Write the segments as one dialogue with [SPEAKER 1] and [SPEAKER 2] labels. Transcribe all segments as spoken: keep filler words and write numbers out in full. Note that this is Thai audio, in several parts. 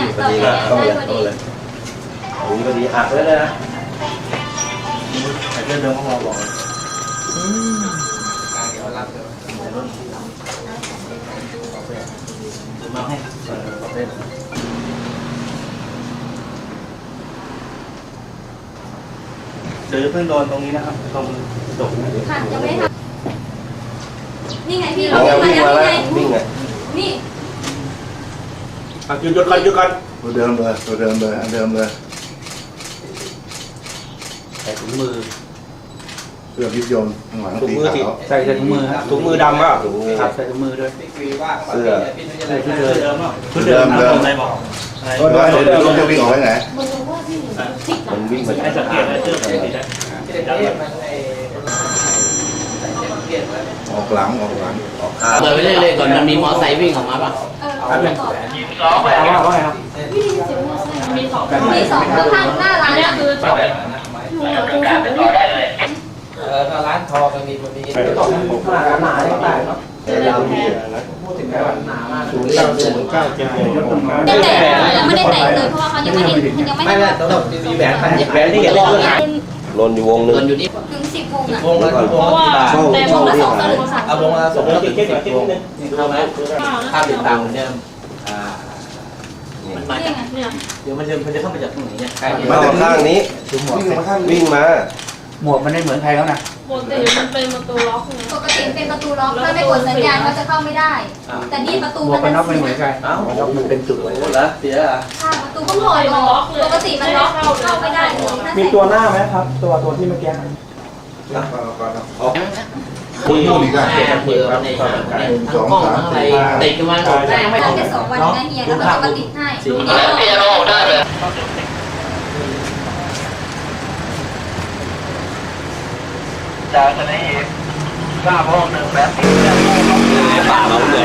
[SPEAKER 1] เนี่ยต่อไปเนี่ยได้พอดี
[SPEAKER 2] โอ้ยพอดีหักเลยนะไอ้เรื่องเดิมของเราบอกมาให้เดี๋ยวเพิ่งโดนตรงนี้นะครับตรงตรง
[SPEAKER 1] ค่ะยังไม่ทำนี่ไงพี่เราวิ่งมาแล้วนี่ไงนี่
[SPEAKER 2] หยุดหยุดก่อนหยุดก่อน
[SPEAKER 3] ตัวเดิมเลยตัวเดิมเลยอันเดิมเลย
[SPEAKER 2] ใส่ถุงมือ
[SPEAKER 3] เสื้อพิษยนต์ข้างหลัง
[SPEAKER 2] ถุงมือสิใส่ใส่ถุงมือครับถุงมือดำป่ะครับใส่ถุงมือด้วยเสื้อใส่ชุดเดิมชุดเดิมเดิมอะไรบอก
[SPEAKER 3] ก็ได้เดี๋ยวเราจะวิ่งออกไปไหน
[SPEAKER 2] มันวิ่งไปไอ้สัตว์เลี้ยงเสื้อสีแดง
[SPEAKER 3] ออกหลังออกหลัง
[SPEAKER 2] ออกข้าง
[SPEAKER 4] เปิดไปเรื่อยๆก่อนมันมีมอไซค์วิ่งออกมาป่ะ
[SPEAKER 1] เออสองแบบว่าว่าไงครับมีสองมีสองข้างหน้าร้านเนี่ยคือสองการเป็นต่อได้เลย
[SPEAKER 4] เออร้านทองมันมีมันมี
[SPEAKER 2] ไม่ต้องหนาหนาได้เนาะยาวดีนะพูดถึงแค่ว่าหนามากศูนย์เก้าศูนย์เก้าเจ็ดเจ็ดยกตรงมา
[SPEAKER 1] ไม่แต่ยังไม่ได้แต่เลยเพราะว่าเขายังไม่ได้ยังไม่ได้
[SPEAKER 4] ต้องมีแหวน
[SPEAKER 2] แหวนที่เห็นเลยลนอยู่วงนึง
[SPEAKER 4] อยู่นี่
[SPEAKER 1] ถึงสิบวงอ่ะ
[SPEAKER 4] วงละวงละ
[SPEAKER 1] แต่วงละสองสลึงค่ะ
[SPEAKER 4] เอาวงละสองละสิบวงเข้าไหมค่าติดตามเหมือนเดิมอ่ามันมาจากเดี๋ยวมันจะมันจะเข้ามาจากตรงไหนเนี่ย
[SPEAKER 2] มาจากข้างนี้วิ่งมา
[SPEAKER 4] หมวกมันไม่เหมือนใครแล้วนะ
[SPEAKER 5] ปกติมันเป็นประตูล็อก
[SPEAKER 1] ปกติเป็นประตูล็อกถ้าไม่กดสัญญาณก็จะเข้าไม่ได้แต่นี่ประตู
[SPEAKER 4] มันน็อกไม่เหมือนใครอ้าวน็อกมันเป็นจุดเลยเหรอเสียอ่ะ
[SPEAKER 1] ค่ะประตูก็ถอยล็อกปกติมันล็อกเข้าไม่ได้เลย
[SPEAKER 2] มีตัวหน้าไหมครับตัวตัวที่เมื่อกี้
[SPEAKER 3] คุณพูดอีกอ่ะ
[SPEAKER 4] เบอร์ในทั้งกล้องทั้งอะไรติดกันมาได้ยังไม่
[SPEAKER 1] ได้แค่สองวันนะเฮียแล้วก็จะมาติดให้ดูนี่เฮียเราได้เลย
[SPEAKER 6] จากทะเลทราบห้องหนึ่งแบบ
[SPEAKER 2] ป่าเราเลย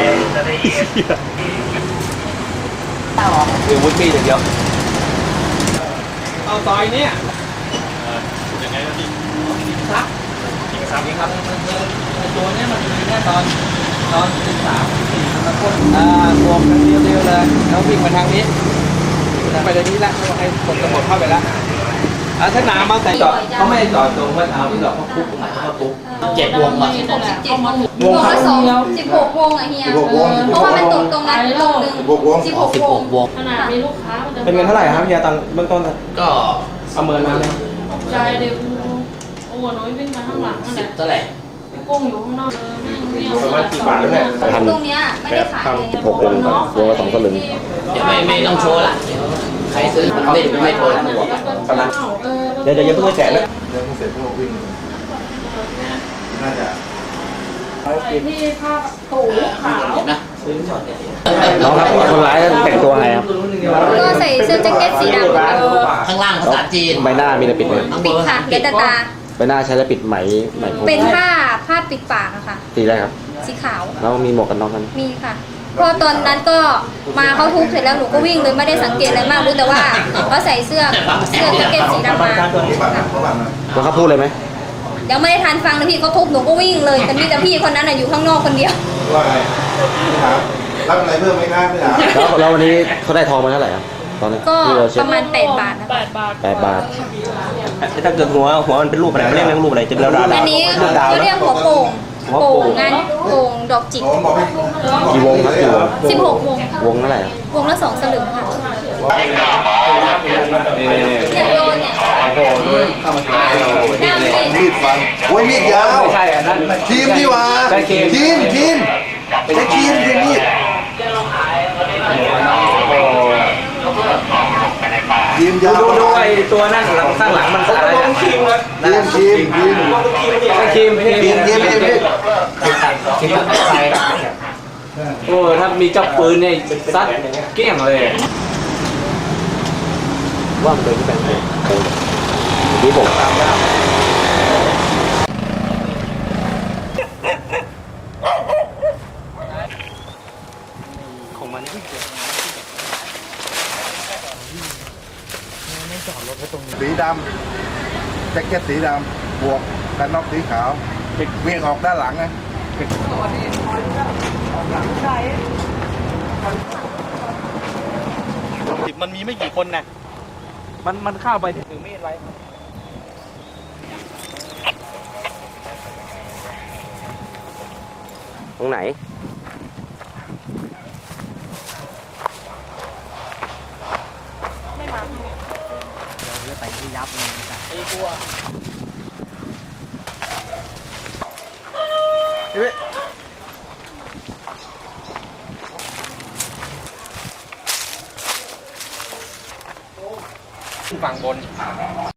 [SPEAKER 2] เดี๋ยววุ้นปีอย่างเดียว
[SPEAKER 4] เอาต่อยเนี่ย
[SPEAKER 2] ยังไงก็ดี
[SPEAKER 4] ซัก
[SPEAKER 2] ทิ้งซ้ำ
[SPEAKER 4] ครับตัวนี้มันมีแค่ตอนตอนสิบสามสี่มันพ่นอ่าบวกกันเร็วๆเลยแล้ววิ่งมาทางนี้ไปทางนี้ละให้คนตำรวจเข้าไปแล้วอ่าถ้าหนามาใส่จอดเขาไม่จอดตรงว่าเอาที่จอดเขาปุ๊บเขาปุ๊บเจ็ดวงอ่ะ
[SPEAKER 1] สิบหกสิบเจ็ดวงวงละสองสิบหกวงอ่ะเฮียเพราะว่ามันตกตรงนั้นตรงหนึ่งสิบหกวงสิบหกวง
[SPEAKER 5] ขนาดมีลูกค้ามันจะ
[SPEAKER 2] เป็นเงินเท่าไหร่ครับเฮียตอนเบื้องต้น
[SPEAKER 4] ก็
[SPEAKER 2] ประเมินมาเลย
[SPEAKER 5] ใจเดี๋ยวโอ้น้อยวิ่งมาข้างหลังนั่นแหละ
[SPEAKER 4] เท่าไหร่
[SPEAKER 5] กุ้งอยู่ข้างนอก
[SPEAKER 2] ประมาณกี่บาทเนี่ย
[SPEAKER 1] ตรงเนี้ยไม่ได้ขายเลย
[SPEAKER 2] หกวงวงละสองสลึง
[SPEAKER 4] เดี๋ยวไม่ไม่ต้องโชว์ละใครซื้อไม่ไม่เปิดหัวกัน
[SPEAKER 2] เดี๋ยวเดี๋ยวยังเพิ่งแจกเลย
[SPEAKER 3] เดี๋ยวเสร็จพวกวิ่งน่าจะ
[SPEAKER 5] ที่ผ้าตูขาว
[SPEAKER 4] นะซื้อช็อตเนี่ย
[SPEAKER 2] น้องครับคนร้ายแต่งตัวไงครับ
[SPEAKER 1] ก็ใส่เสื้อแจ็คเก็ตสีดำ
[SPEAKER 4] ข้างล่างภาษาจีน
[SPEAKER 2] ใบหน้ามีแต่ปิดเลย
[SPEAKER 1] ปิดค่ะเกตตา
[SPEAKER 2] ใบหน้าใช้แล้วปิดไหมไหม
[SPEAKER 1] เป็นผ้าผ้าปิดปากอะค่ะ
[SPEAKER 2] สีอะไรครับ
[SPEAKER 1] สีขาว
[SPEAKER 2] แล้วมีหมวกกันน็อกกัน
[SPEAKER 1] มีค่ะเพราะตอนนั้นก็มาเขาทุบเสร็จแล้วหนูก็วิ่งเลยไม่ได้สังเกตอะไรมากรู้แต่ว่าเขาใส่เสื้อเสื้อแจ็คเก็ตสีดำมา
[SPEAKER 2] แล้วเขาพูดเลยไหม
[SPEAKER 1] ยังไม่ได้ทันฟังเลยพี่เขาทุบหนูก็วิ่งเลยแต่มีแต่พี่คนนั้นอยู่ข้างนอกคนเดียว
[SPEAKER 3] ว่าไงครับรับอะไรเพิ่มไหมครับพี่ถาม
[SPEAKER 2] แล้วแล้ววันนี้เขาได้ทองมาเท่าไหร่ครับตอนนี้
[SPEAKER 1] ก็ประมาณแปดบาทนะ
[SPEAKER 5] แปดบาท
[SPEAKER 2] แปดบาทถ้าเกิดหัวหัวมันเป็นรูปอะไรเรียกรูปอะไรจะเป็นดาว
[SPEAKER 1] อันนี้เขาเรียกหัวโป่งโป่งงานโป่งดอกจิก
[SPEAKER 2] กี่วงครับกี่วง
[SPEAKER 1] สิบหกวง
[SPEAKER 2] วงเท่าไหร่
[SPEAKER 1] วงละสองสลึงค่ะเนี่ยโดนเนี่ย
[SPEAKER 3] มีดฟันโอ้ยมีดยาว
[SPEAKER 2] ใช่อันนั้น
[SPEAKER 3] ทีมดีว่าทีมทีมทีมทีมทีมมีดทีมยาว
[SPEAKER 2] ดูดูไอ้ตัวนั่นหลังข้างหลังมันอะไรทีมนะ
[SPEAKER 3] ทีมทีม
[SPEAKER 2] ทีมทีมทีม
[SPEAKER 3] ทีมทีมทีม
[SPEAKER 4] ทีมใคร
[SPEAKER 2] โอ้ถ้ามีจับปืนเนี่ยซัดเกลี้ยงเลยว่างเลยที่แบบนี้ที่ผมของมันไม่เกิด
[SPEAKER 3] สีดำแจ็คเก็ตสีดำบวกกันน็อกสีขาวเวียงออกด้านหลังไง
[SPEAKER 4] ไม่กี่คนนะมันมันเข้าไปถือมีดไว้
[SPEAKER 2] ตรงไหน
[SPEAKER 4] ฝั่งบน